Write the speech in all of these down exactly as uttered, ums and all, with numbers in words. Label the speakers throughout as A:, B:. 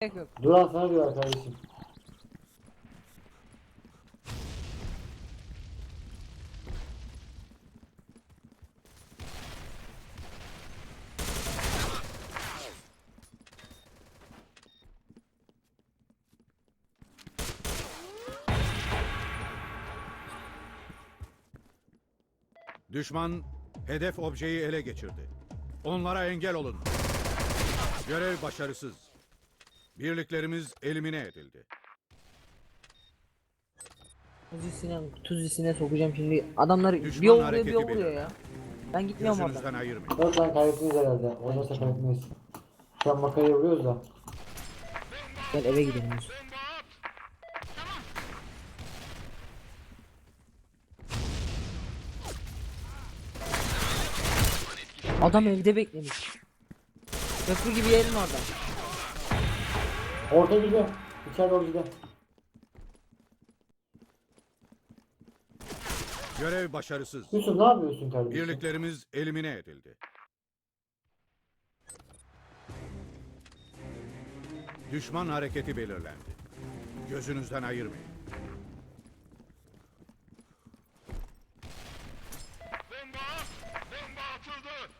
A: Gerek yok.
B: Duran sana diyor kardeşim.
C: Düşman hedef objeyi ele geçirdi. Onlara engel olun. Görev başarısız. Birliklerimiz elimine edildi.
A: Tuz isine, tuz isine sokacağım şimdi. Adamlar
C: Düşman
A: bir o vuruyor bir
C: hareketi
A: o vuruyor
C: belirlendi.
A: ya. Ben gitmiyorum
C: Gözünüzden
A: oradan.
C: ayırmayın.
B: Dört tane kaybettiniz herhalde. Olmazsa kaybetmeyiz. Şu an makarayı vuruyoruz da.
A: Gel eve gidelim Yusuf. Adam evde beklemiş. Köprü gibi yerin orada.
B: Orta gidiyor. İçeride doğru gidiyor.
C: Görev başarısız.
B: Yusuf ne yapıyorsun kardeşim?
C: Birliklerimiz elimine edildi. Düşman hareketi belirlendi. Gözünüzden ayırmayın.
D: Bomba! Bomba atıldı!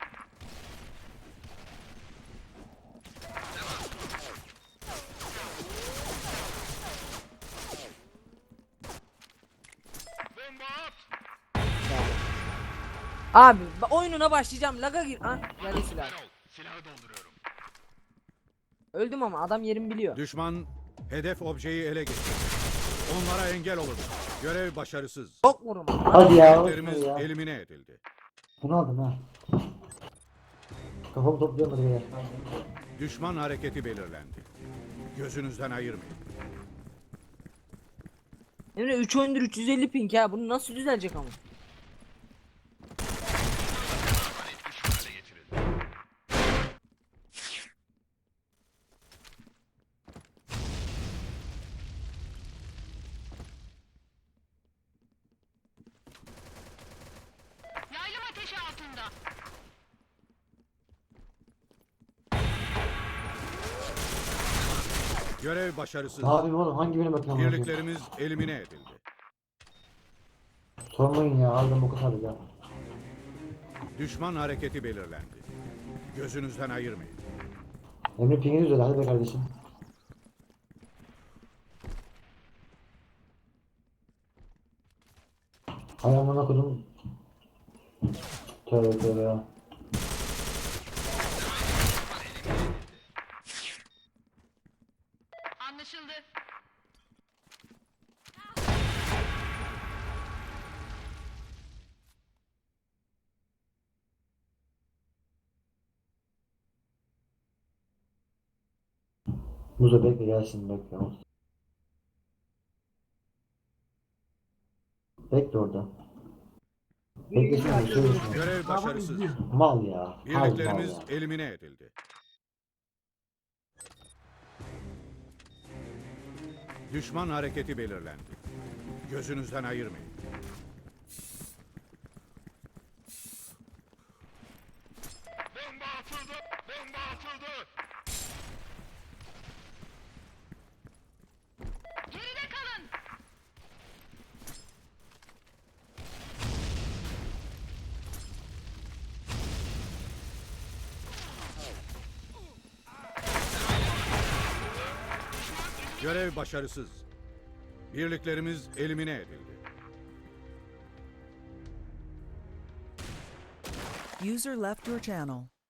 D: Bomba at!
A: Abi ba- oyununa başlayacağım. Laga gir. Ah geldi silah.
D: Erol, silahı dolduruyorum.
A: Öldüm ama adam yerimi biliyor.
C: Düşman hedef objeyi ele geçirdi. Onlara engel olun. Görev başarısız.
A: Çok vurma.
B: Hadi ya.
C: Birliklerimiz
B: Olsun ya.
C: elimine edildi.
B: Bunu aldım ha. Kafamı toplayamadım ya.
C: Düşman hareketi belirlendi. Gözünüzden ayırmayın.
A: Emre üç oyundur üç yüz elli ping ya. Bunu nasıl düzelecek ama?
D: Etkisiz hale getirildi.
E: Yaylım ateşi altında.
C: Görev başarısız.
B: Ne yapayım oğlum? Hangi birine bakayım? amına koyayım?
C: Birliklerimiz elimine edildi.
B: Sormayın ya. Harbiden bu kadar ya.
C: Düşman hareketi belirlendi. Gözünüzden ayırmayın.
B: Emre pingini düzel. Hadi be kardeşim. Hay amına kodum. Tövbe tövbe ya.
E: Anlaşıldı.
B: Muzo bekle gelsin bekle. Bekle orada. Beklesene söylesin.
C: Görev başarısız.
B: Mal ya. Hal mal
C: Birliklerimiz
B: ya.
C: elimine edildi. Düşman hareketi belirlendi. Gözünüzden ayırmayın.
D: Bomba atıldı! Bomba atıldı!
E: Geride kalın.
C: Görev başarısız. Birliklerimiz elimine edildi.
F: User left your channel.